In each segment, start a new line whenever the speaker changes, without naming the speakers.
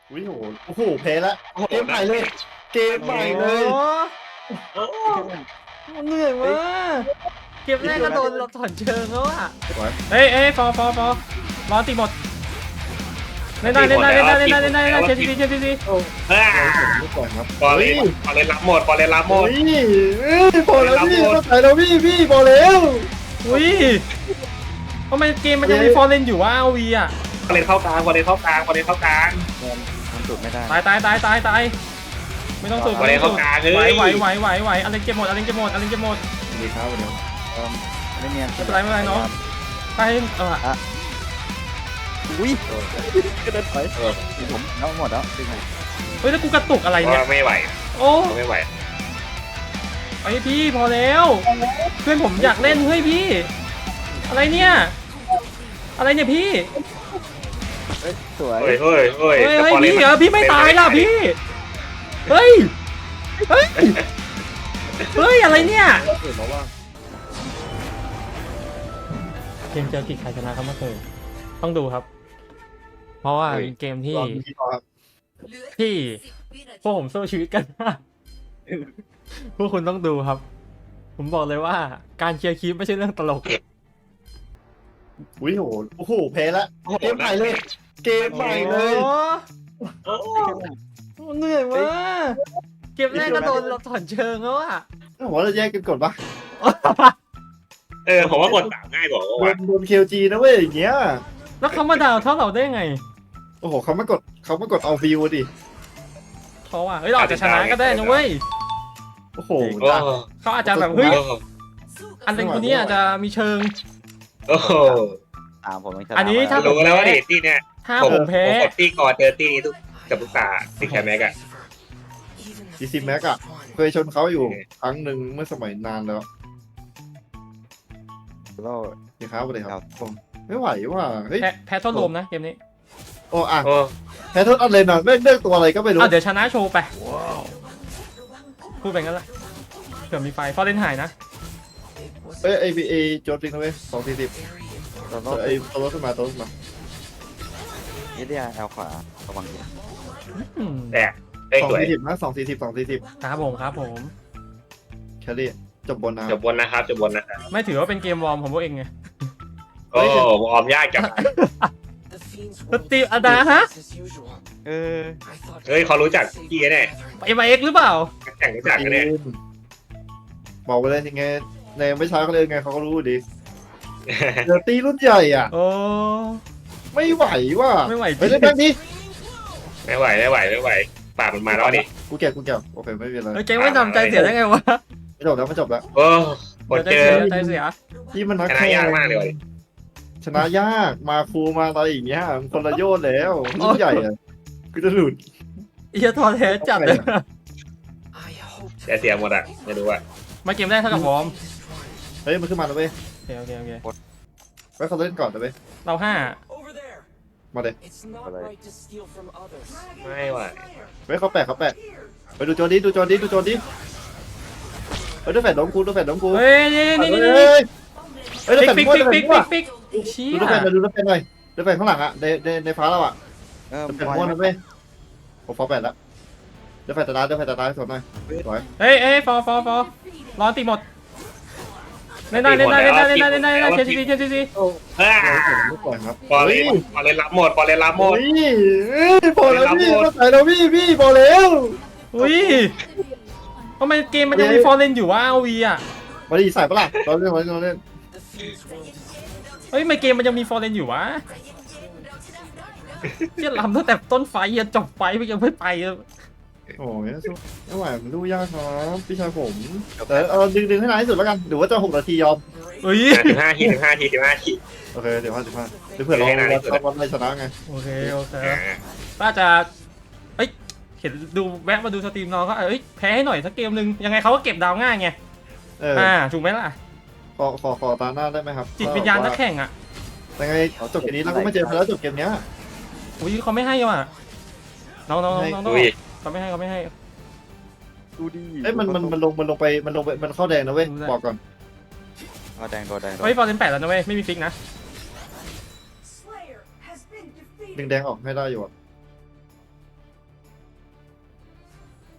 วิโอ้โหแพ้ละเกมใหม่เลยเกมใหม่เลย
เหนื่อยมากเกมแรกก็โดนเราถอนเชิงแล้วอ่ะ
สวย
เอ้ยฟอรอตีหมดเล่นได้เชฟซี
อ่า
ไม่ปล่อยครับ
บอลเลยรับหมดบอลเลยรับหมด
พอแล้วพี่เข้าใจแล้วพี่พอแล้ว
อุ้ยทำไมเกมมันยังมีฟอร์เรนอยู่วะเอาวีอ่ะ
บอลเลยเข้ากลางบอลเลยเข้ากลางบอลเลยเข้ากลาง
มันสุดไม่ได้
ตายไม่ต้องสูดไหวอะไรเก็บหมด
ดีครับวันนี้
ไม่เนียน
ไม่เป็นไรน้องไป
อุ้ยก็เดินไปผมน้องหมดแล้วจริงไหม
เฮ้ยแล้วกูกระตุกอะไรเนี่ย
ไม่ไหว
โอ้
ไม่ไหว
ไอพี่พอแล้วเพื่อนผมอยากเล่นเฮ้ยพี่อะไรเนี่ยพี่
สวย
เฮ้ย
พี่พี่ไม่ตายล่ะพี่เฮ้ยอะไรเนี่ยเกมเจอกิจใครชนะครับเมื่อคืนต้องดูครับ เพราะว่าเป็นเกมที่พวกผมสู้ชีวิตกันมากพวกคุณต้องดูครับ ผมบอกเลยว่าการเชียร์คีปไม่ใช่เรื่องตลก
วิโอ้โหแพ้ละเกมใหม่เลยเกมใหม่เลย
เหนื่อยมากเกมแรกก็โดนเราถอนเชิงแล้วอ่ะ
ผมว่าเราแยกกันกดปะ
ผมว่ากด3ง่ายกว่าว่ะ
โดนเคลจีนะเว้ยอย่างเงี้ย
แล้วเขามาด่าเท่าเราได้ไง
โอ้โหเขามากดเอาวิวดิ
เขาอ่ะเราอาจจะชนะก็ได้นะเว้ย
โอ้โห
เขาอาจจะแบบเฮ้ยอันเป็นคนนี้อาจจะมีเชิง
โอ้โห
ตามผม
อันนี้ถ้า
รู้แล้วว่าเดทตี้เนี่ย
ถ้าผมแพ้
กดตี้ก่อนเจอตี้นี้ทุกกับทุกตาที่แคมแม็กอะ
ดีซีแม็กอะเคยชนเขาอยู่ครั้งหนึ่งเมื่อสมัยนานแล้ว
เรา
ดีครับสวัสดีครับผมไม่ไหวว่ะเฮ้ย
แพ้ทดลมนะเกมนี้
โอ้อะ
โอ้
แพ้โทษอะไรนะเลือกตัวอะไรก็ไม่รู้
เดี๋ยวชนะโชว์ไปพูดไปงั้นละเผื่อมีไฟฟอร์เรนหายนะ
ไอพีเอโจทย์จริงนะเว้ย240
เรา
ไอตัวรถขึ้นมา
เอเดียแอลขวาระวัง
แต่ได้สวย
240นะ240
ครับผม
แคลรี่จบบนนะ
จบบนนะครับ
ไม่ถือว่าเป็นเกมวอร์มของพวกเองไง
โอ้ออมยากจัง
สตีฟอดาฮะ
เออ
เฮ้ยเขารู้จักพี่แน่
MIX หรือเปล่า
แข่งรู้จักกันแน่
บอกไปเลยยังไงในไม่ช้าเขาเลยไงเขาก็รู้ดีเดอร์ตี้รุ่นใหญ่อ่ะ
โอ้
ไม่ไหวว่ะ
ไม่ไหวจริง
ไปเล่นแบงค์ดิ
ไม่ไหวปากมันมาแล้วดิ
กูเก็บโอเคไม่เป็นไร
เกมไม่ทำใจเสียได้ไงวะ
ไม่จบแล้ว
โอ้กดเจอ
ใจเสีย
ที่มันนัก
ชนะ
แข่ง
ยากมากเลย
ชนะยากมาฟูมาอะไรอย่างเงี้ยมันคนละโยชน์แล้วรุ่นใหญ่อ่ะกูจะหลุด
เอียทอแท้จัดเลย
แต่เสียหมดอ่ะไม่รู้อ่ะ
มาเกมแรกเท่ากับวอร์ม
เฮ้ยมันขึ้นมาแล้วเว้ย
โอเค
ไว้เขาเล่นก่อนนะเว้ย
เรา5
มาเลย
ไม่ไหว
เว้ยเขาแปะไปดูโจนดิเฮ้ยดูแฟนน้องกู
เฮ้ยนี่
เฮ้ยดูแฟน
ปิ๊ก
มั่วดูแฟนมั่ว
เชี่ย
ดูแฟนหน่อยดูแฟนข้างหลังอ่ะในฟ้าเราอ่ะ
เออ
ดูแฟนมั่วนะเว้ยผมฟอร์แปดแล้วดูแฟนตาตาสดหน่อยสวย
เฮ้ยฟอรอตีหมดเล่นได้เชฟซี
ไม่ปล่อยครับ
บอลเลยรับหมด
พอแล้วพี่เข้าใจแล้วพี่พอแล้ว
อุ้ยทำไมเกมมันยังมีฟอร์เรนอยู่วะเอาวีอ่ะ
มาดีใส่ปะล่ะเราเล่น
เฮ้ยทำไมเกมมันยังมีฟอร์เรนอยู่วะเชี่ยลำตั้งแต่ต้นไฟยันจบไฟมันยังไม่ไป
โอ้ยสู้ไม่ไหวมันดูยากครับพี่ชายผมแต่ดึงให้นานที่สุดแล้วกันหรือว่าจะ6 นาทียอม
เฮ้ย
15 ที
โอเคเดี๋ยวเผื่อเราได้ชนะไง
โอเคป้าจะเฮ้ยเห็นดูแวะมาดูสตรีมน้องก็แพ้ให้หน่อยสักเกมนึงยังไงเขาก็เก็บดาวง่ายไงถูกไหมล่ะ
ขอตาหน้าได้ไหมครับ
จิตวิญญาณนักแข่งอ่ะ
ยังไงจบเกมนี้เราก็ไม่เจอแล้วจบเกมเนี้ย
อุ้ยเขาไม่ให้ว่ะน้องเขาไม่ให้
ดูดี
เอ้ยมันลงไปมันเข้าแดงนะเว้ยบอกก่อน
ตัวแดง
เฮ้ยฟอร์เรน8แล้วนะเว้ยไม่มีฟิกนะ
ดึงแดงออกให้ได้อยู่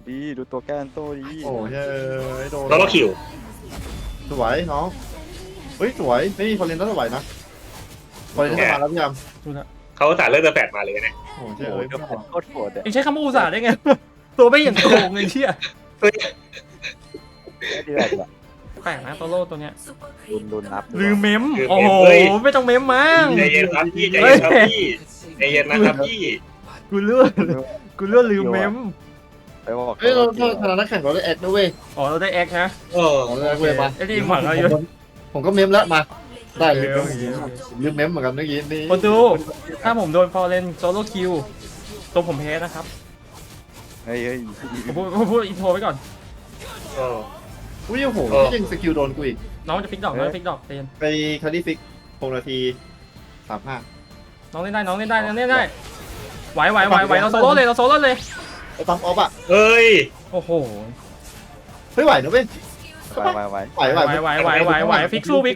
ดีดูตัวแกนโตดี
โอ้ยโดน
แล้วก็คิว
สวยน้องเฮ้ยสวยไม่มีฟอร์เรนต้องสวยนะฟอร์เรนจะมาแล้วพี่ยาม
ดูนะ
เขาจ่ายเลือดเดอะแฟดมาเลยเนี่ย
โอ้ย
โอ้
เอ้
ย
ย
เดี๋ยวผมโคตรโหดอ่ะ
เองใช้คำว่าอุตส่าห์ได้ไง ตัวไม่อย่างโกงเลยเชี่ย
ไม่ดีแบบ
แปลกนะโตโร่ตัวเนี้ย
รุนรับ
ลืมเมมโอ้โหไม่ต้องเมมมั้ง
ใจเย็นครับพี่ใจเย็นครับพี่ใจเย็นนะครับพี่
กูเลื่อนลืมเมม
ไปบอก
เฮ้ยเราชนะนักแข่งเราได้แอดนะเว้ย
อ๋อเราได้แอคนะ
เออ
เราได้แอดเว้ยมา
ไอ้ที่หวังเราอยู่
ผมก็เมมแล้วมาได้ลืม
โอเค
ลืมเมมเหมือนกันเมื่อกี้นี่
คนดู ถ้าผมโดนฟอร์เรนโซโล่คิวตัวผมแพ้นะครับ
เฮ้ย
ผมพูดอินโทรไว้ก่อน
เออ
อุ้ยโอ้โหยังสกิลโดนกูอีก
น้องจะฟิกดอกน้องจะฟิกดอกเตียน
ไปคาร์ดี้ฟิก6 นาที 35
น้องเล่นได้น้องเล่นได้น้องเล่นได้ไหวเราโซโล่เลย
ไอ้ปั๊มออฟอ่ะ
เฮ้ย
โอ้โห
เฮ้ยไหวนะเว้ย
ไว
ไหว
ฟิกคู่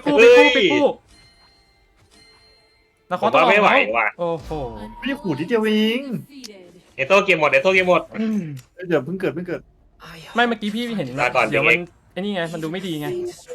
แล้ว
ผ
เขา
ม
ต้อง
ว่าไม่ไหวว่ะ
โอ้โห
ไม่ขู่ที่เดียวเอง
เอโต้เกมหมดเอโต้เกมหมด
เดี๋ยวเพิ่งเกิด
ไม่เมื่อกี้พี่เห็น
ลาก่อน
เดี๋ยวมัน
เด็ก
ไอ้นี่ไงมันดูไม่ดีไง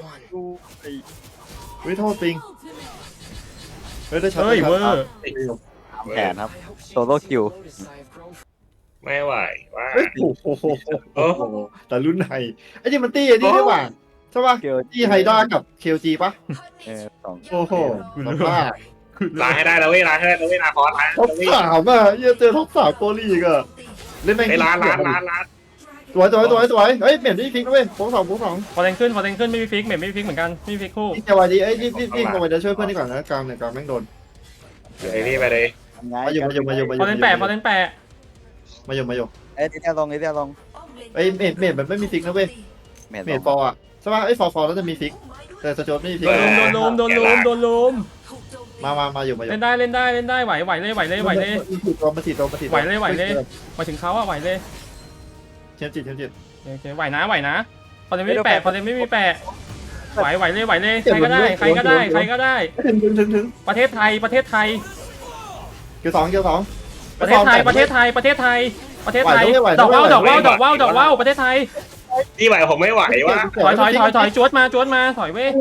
เฮ้ยโทษปิงเฮ้ยได้ช็อต
เฮ้ยเวอร์
แขนครับโซโล่คิว
ไม่ไหวว่า
เฮ้ยโอ้โหแต่รุ่นไหนไอ้นี่มันตี้ไอ้นี่ได้ป่ะใช่ป่ะ
เกียว
ตี้ไฮด้ากับเคลจีป่ะ
สอง
โอ้โหสภาพ
ล้างให้ได้แล้วเว้ยล้างให้ได้แล้วเว้ยนาคอสล้าง
ท็อปสามอ่ะเจอท็อป3ตัวลีกอ่ะเล่นแม่ง
ไอ้ล้าง
สวยเฮ้ยเปลี่ยนที่ฟิกนะเว้ยโค้งสอง
พอเล่นขึ้นไม่มีฟิกไม่มีฟิกเหมือนกันไม่มีฟิกคู่
นี่จะวันดีเอ้ยนี่ลงไปจะช่วยเพื่อนดีกว่านะกลางเนี่ยกลางแม่งโดน
ไอ้นี่ไปเลย
ไง
มาอยู่
พอเล่นแปะ
มาอยู่
เอ้ยที่ลง
ไอ้เมดมันไม่มีฟิกนะเว้ย
เม
เมดฟอร์อ่ะใช่ป่ะไอ้ฟอร์แล้วจะมีฟิกแต่สโจดไม่มีฟิก
โดนลุม
มาอยู่
เล่นได้ไหวเลย
มาถีตัว
มาถึงเขาอะไหวเลย
เทียมจิต
โอเคไหวนะพอเล่นไม่มีแปะไหวเลยใครก็ได้
ถึง
ประเทศไทย
เกี่ยวสอง
ประเทศไทยประเทศไทยดอกว่าวประเทศไทย
ที่ไหวผมไม่ไหวว่ะ
ถอยจวดมาถอยเว้ย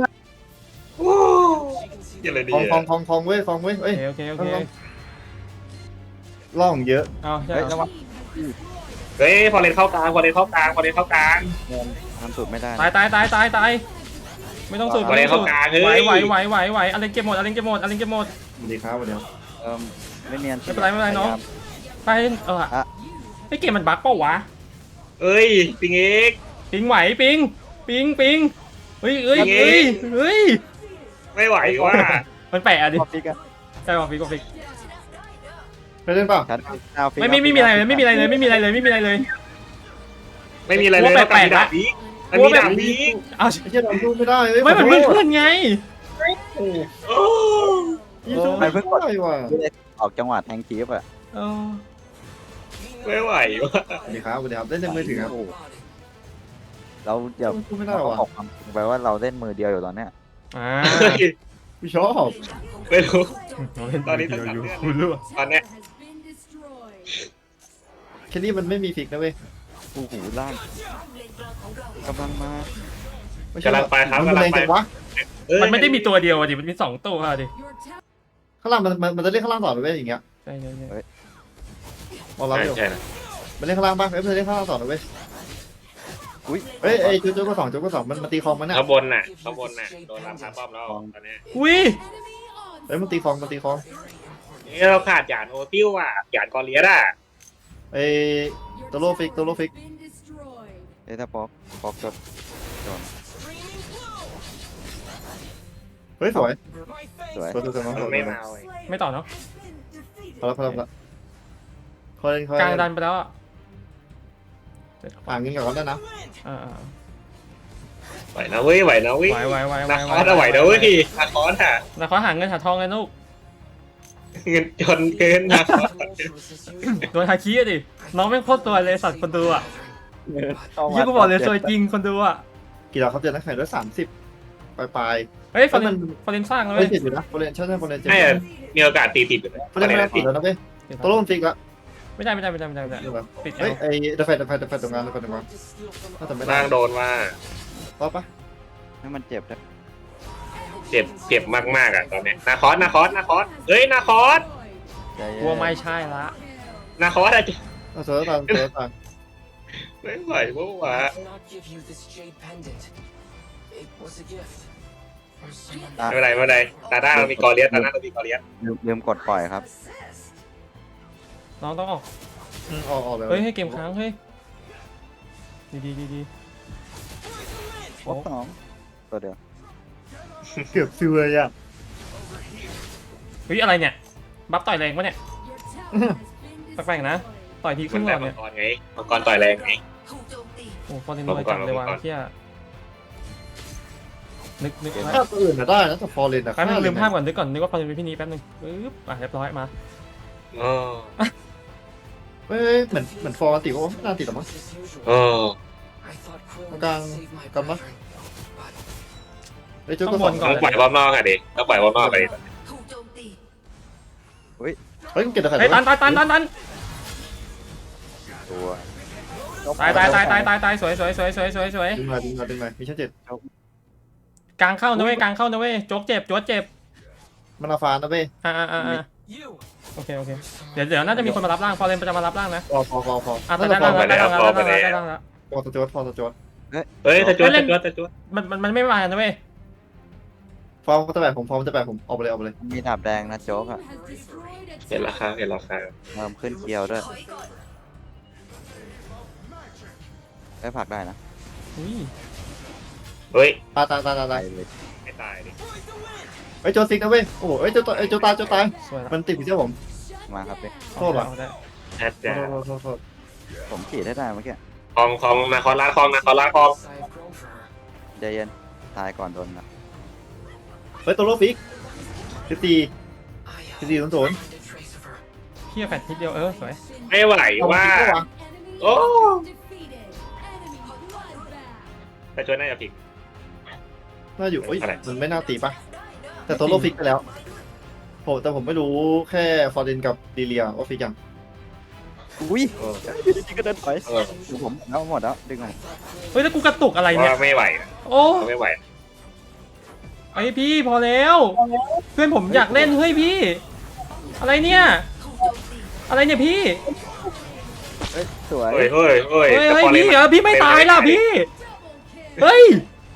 ยังเลยดี
คองเว้ยเอ้ย
โอเค
ล่องเยอะ
เอาใช่
เฮ้ยระวัง
เฮ้ยพอเล่นเข้ากลาง
ทำสุดไม่ได้
ตายไม่ต้องสูด
พอเล่นเข้ากลางเฮ้ย
ไหวอะไรเก็บหมด
สวัสดีครับวันนี้
ไม่เนียน
ไม่เป็นไรน้องไปไอ้เกมมันบั๊กเปล่าวะ
เอ้ยปิงเอก
ปิงไหวปิงเฮ้ย
ไม่ไหวว่ะ
มันแปะดิ
พอฟิกอะ
ใช่ป่ะฟิก
ไปเล่นป่ะ
ชัดเอาฟิก
ไม่มีอะไรเลย
ไม่มีอะไรเลยต้องการดาบพีกมันมีดาบพีก
เอา
ไอ้เหี้ยทำสู้ไม่ได้เว้ย
ไม่มันเพื่อนไง
ยี่สู้ไม่ได้ว่ะ
ออกจังหวะแทงคีฟอะ
ไม่ไหวว่ะ
สวัสดีครับเล่นในมือถือครับ
เราอย่า
สู้ไม่ได้ว่ะ
ออกความไปว่าเราเล่นมือเดียวอยู่ตอนเนี้ย
กูชอบ
ไม่รู้ ตอนนี้ต้องการเลือด
คุณรู้
ตอนเนี้ย
แค่นี้มันไม่มีฟิกนะเว้ย
โอ้โหล่างกำลังมา
กำลังไปครับ
มัน
กำลั
แรง ง
ไป
จังวะ
มันไม่ได้มีตัวเดียวดิมันมี2ตัวดิ
ข้างล่างมันจะเล่นข้างล่างต่อเลยเว้ยอย่างเงี้ย
ใช่
มองรับอยู่
ใช่นะ
มันเล่นข้างล่างป่ะมันเล่นข้างล่างต่อเลยเว้ย
อุ้ย
เฮ้ยไอ้โจ๊กก็สองมันตีคลองมันเนี่ย
ข้างบนน่ะโดนรำคาป้อมแล้วตอนเนี้ย
อุ้ย
เฮ้ยมันตีคลอง
นี่เราขาดหยาดโอติ้วอ่ะหยาดกอเลียดอ่ะ
ไอ้ตัวโลฟิก
เอ้ถ้าป๊อกจดโดน
เฮ้ยสวย
สวย
มันไม่มาเว้ย
ไม่ต่อเนาะ
พอแล้วเขาเล่น
กลางดันไปแล้วอ่ะ
เงินกับเขาได้นะ
ไหวนะเว้ย
ไหว
นาคอสอะไหวนะเว้ยนาคอสอ่ะ
แล้วเขาหาเงินหาทองเลยลูก
เงินจนเกินนาคอส
โดนฮาคิดิน้องไม่โคตรตัวเลยสัตว์คนดูอ่ะยี่กูบอกเลยตัวจริงคนดูอ่ะ
กี่ดอกเขาเจอนักแข่งด้วย30ปลาย
เฮ้ยฟอร์เรนสร้างแล้ว
เฮ้
เว้
ย
ย
ติดอยู่นะโฟเรนใช่โฟเรนเจ็บ
ให้มีโอกาสตีติดอยู่เลย
โฟเรนไม่ได้ติดแล้วนะเว้ยตัวโลฟิกละ
ไม่ได้ไม่ได้ไม่ได้ไม่ได้ไม่ได้
ดูแบบ
ปิด
เฮ้ย
เอา
ไอ้เดฟเฟตตรงงานถ้าจะไม่ได้
ล่างโดนว่า
ป๊อปปะ
ให้มันเจ็บด้วย
เจ็บมากๆอ่ะตอนเนี้ยนาคอสเฮ้ยนาคอส
ใจเย็น
กลัวไม่ใช่ละ
นาคอสอะ
เอาเสือตาม
ไม่ไหวเมื่อวาน
อ่ะ
ไม่เป็นไรตาหน้าเรามีกอเลียสตาหน้าเรามีกอเลียส
ลืมกดปล่อยครับ
น้องต้องออก
ออกเลย
เฮ้ยให้เกมค้างเฮ้ยดี
ครบสองตัวเดียว
เกือบซิวเลยอ่ะ
เฮ้ยอะไรเนี่ยบัฟต่อยแรงปะเนี่ยแปลกๆนะต่อยทีค
มั
รึ่
น
งหล
แต่
อด
มั
เนี่
ง
ย
กรไงมังกรต่อยแรงไง
โอ้ฟอร์เรนโดนจับเลยว่ะเที่ยนึก
ถ้าตัวอื่นได้นะแต่ฟอร์เรนอะ
แป๊บนึงลืมภาพก่อนนึกว่าฟอร์เรนเป็นพี่นี้แป๊บนึงปึ๊บเรียบร้อยมา
อ๋อ
เฮ้ยเหมือนฟอร์ติโอ้ไม่น่าติดหรอมั้ง
อ๋อ
กลางกันปะไอ้จุด
ต้
ก็
อง
ส
ว
อน ง
ก่อน
ต้องปล่อยบอมนอกอะดิต้องปล่อยบอมนอกไปดิ
เฮ้ยเก็บแต่ไข่
เฮ้ยตัน
ตัว
ตายสวย
ดึงมามีชั้น7
กลางเข้านะเว้ยกลางเข้านะเว้ยโจ๊กเจ็บ
มันอาฟานนะเว้ย
โอเคเดี๋ยวน่าจะมีคนมารับร่างฟอร์เรนจะมารับร่างนะ
พอ
แต่ได้ร่างแล้ว
พอสจวด
เฮ้ยตะจวด
มันไม่มานะเว้ย
ฟอร์มจะแบกผมออกไปเลย
มีดาบแดงนะโจ๊กอ่ะ
เห็นราคา
เพิ่มขึ้นเกียวด้วยได้ผักได้นะ
อุ้ย
เฮ้ย
ตาย
เลย
ไม่ตายดิ
เฮ้ยโจซิกนะเว้ยโอ้โหเฮ้ยโจตาย
สวยละ
มันติดอยู่ที่ผม
มาครับพี่
โทษเหรอ
แอดจ้า
โทษ
ผมขีดได้ได้เมื่อกี้
คองนาคอสล้างคอง
ใจเย็นตายก่อนโดนนะ
เฮ้ยตัวโลฟิก14 0
เพี้ยแฟดทีเดียวสวย
ไม่ไหวว่าโอ้ตะจวดน่าจะผิด
น่าอยู่เอ้ย
อะไร
มันไม่น่าตีปะแต่ตัวโลฟิกไปแล้วแต่ผมไม่รู้แค่ฟอร์เรนกับดีเลียว่าฟิกยัง
อุ้ยจริงๆก็เดินไปดูผมแล้วหมดแล้วดึงมา
เฮ้ยแล้วกูกระตุกอะไรเนี่ย
ว่าไม่ไหว
โอ้
ไม่ไหว
ไอพี่พอแล้วเพื่อนผมอยากเล่นเฮ้ยพี่อะไรเนี่ยพี่
เฮ้ยสวย
เฮ้ย
พี่พี่ไม่ตายล่ะพี่เฮ้ย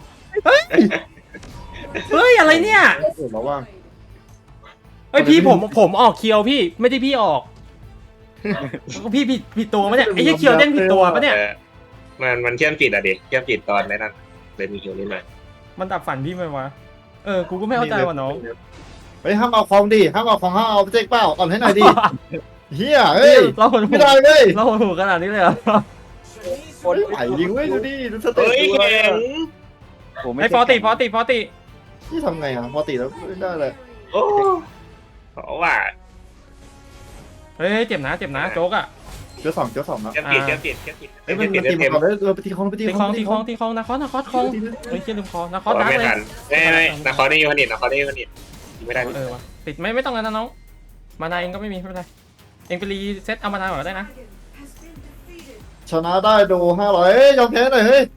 อะไรเนี่ย
ระว่าง
เฮ้ยพี่ผมออกเคียวพี่ไม่ได้พี่ออกพี่ผิดตัวปะเนี่ยไอ้เคียวเล่นผิดตัวปะเนี่ย
มันเชื่อมจิตอะดิเชื่อมจิตตอนนั้นเลยมีคิวนิดหน่อย
มันดับฝันพี่ไหมวะกูก็ไม่เข้าใจว่ะน้อง
เฮ้ยห้ามเอาของดิห้ามเอาไปเจ๊กเป้าอ่อนให้หน่อยดิเฮียเฮ้ย
เราหดหู
ไม่ได้เลย
เราหดหูขนาดนี้เลยเหรอ
ไม่ไหวยิงเว้ยดูดิดูสเต็ป
เฮ้ย
ดู
แข็ง
ไอ้ฟอติ
นี่ทำไงอ่ะพอตีแล้วไม่ได้เลย
โอ้เพราะว่า
เฮ้ยเจ็บนะโจ๊กอ่ะ
เจ้าสองนะ
เชื่อมจิต
เฮ้ยมันตีมาก่อนเลยไปตีคอง
ตีคองนะคอคองเฮ้ยเชี่ยลืมคอนะคอดัก
ไม่
เลย
ทันไม่นาคอนี่ยูนิตไม่ได้
วะติดไม่ต้องแล้วนะน้องมานาเองก็ไม่มีไม่เป็นไรเองไปรีเซ็ตเอามานาก่อนได้นะ
ชนะได้โด500เฮ้ยยอมแพ้หน่อยเฮ้ย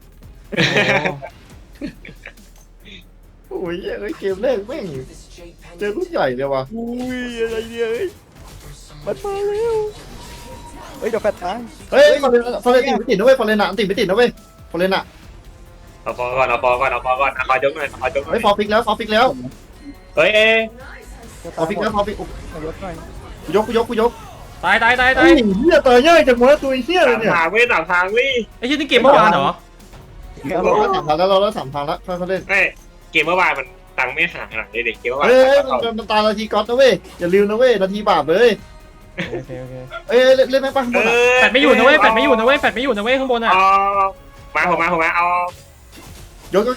โอ้ยเฮ้ยเกมแรกแม่งเจอรุ่นใหญ่เลยว่ะ
อุ้ยอะไรเนี่ยเฮ้ยมันมาแล้วเฮ้ยเดี๋ยวแฟดตาย
เฮ้ยฟอร์เรนติดไม่ติดนะเว้ยฟอร์เรนอะติดไม่ติดนะเว้ยฟอร์เรนอะ
เอาฟอก่อนนาคอยกหน่อย
เฮ้ยฟอร์ฟิกแล้ว
เฮ้ย
ฟอร์ฟิกแล้ว
ยกหน่อย
กูยก
ตาย
เฮ้ยเฮียตายง่ายจังวะตัวเฮียเลยเนี่ย
สามทางวิ
ไอ้เชี่ยนี่เกมเมื่อวานเหรอ
เราได้3,000แล้วค่อยเล่น
ไม่เกมเมื่อวานมันตังไม่ห่างขนาดนี้เด็กเกมเมื่อวาน
เฮ้ยมันตายนาทีก๊อตนะเว้ยอย่าลืมนะเว้ยนาทีบาปเลย
โอเค
เอ้ยเล่นไหมป่ะข้างบนอะ
แฟดไม่อยู่นะเว้ยข้างบนอ่ะ
มาผมเอา
ยก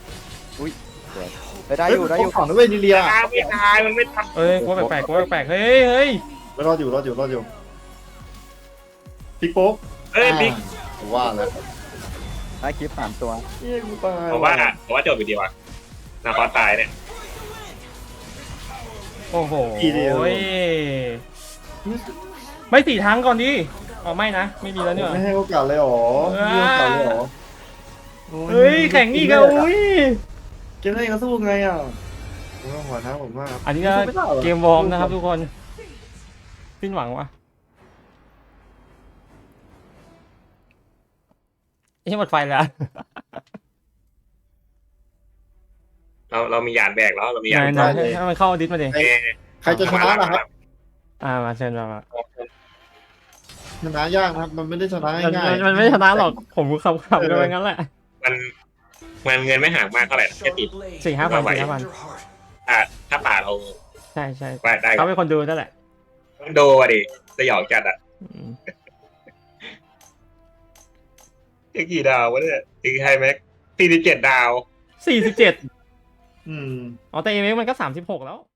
ได้อยู่
ของนะเว้ยนิเลีย
ไม่ตายมันไม่ตาย
เอ้ยกูแปลกเฮ้ย
รออยู่พิกโป๊ก
เอ้ยบิ๊ก
ว่าแล้ว
ได้คลิป3ตัว
เฮ้ยกูตาย
ผมว่าจบไปดีว่ะนาคอตายเนี่ย
โอ้โหไม่สี่ทางก่อนดิอ๋อไม่นะไม่มีแล้วเนี่ย
ไม่ให้โอกาสเลยหรอไม่ให้โอกาสเลยหรอโอ้
เฮ้ยแข่งนี่ก็อุ้ย
เกมแรกก็สู้ไงอ่ะผมว่าหัวท้าผมมาก
อันนี้ก็เกมวอร์มนะครับทุกคนสิ้นหวังวะไอ้หมดไฟแล้ว
เรามียานแบกแล้วเรามียาน
นายให้มันเข้าดิสมาดิ
ใครจะชนะล่ะครับ
มาเชิญมา
ชนะยากนะครับมันไม่ได้ชนะง่าย
มันไม่ชนะหรอกผมขำๆกันไปงั้นแหละ
มันเงินไม่ห่างมากเท่าไหร่นะแค่ติด
4,000
ถ้าป่าเรา
ใช่ใช่
ได้
เขาเป็นคนดูนั่นแหละ
โดอ่ะดิสยองจัดอ่ะกี่ดาววะเนี่ยตีไฮแม็ก47 ดาว
47
อืม
อ๋อแต่เอเมมันก็36แล้ว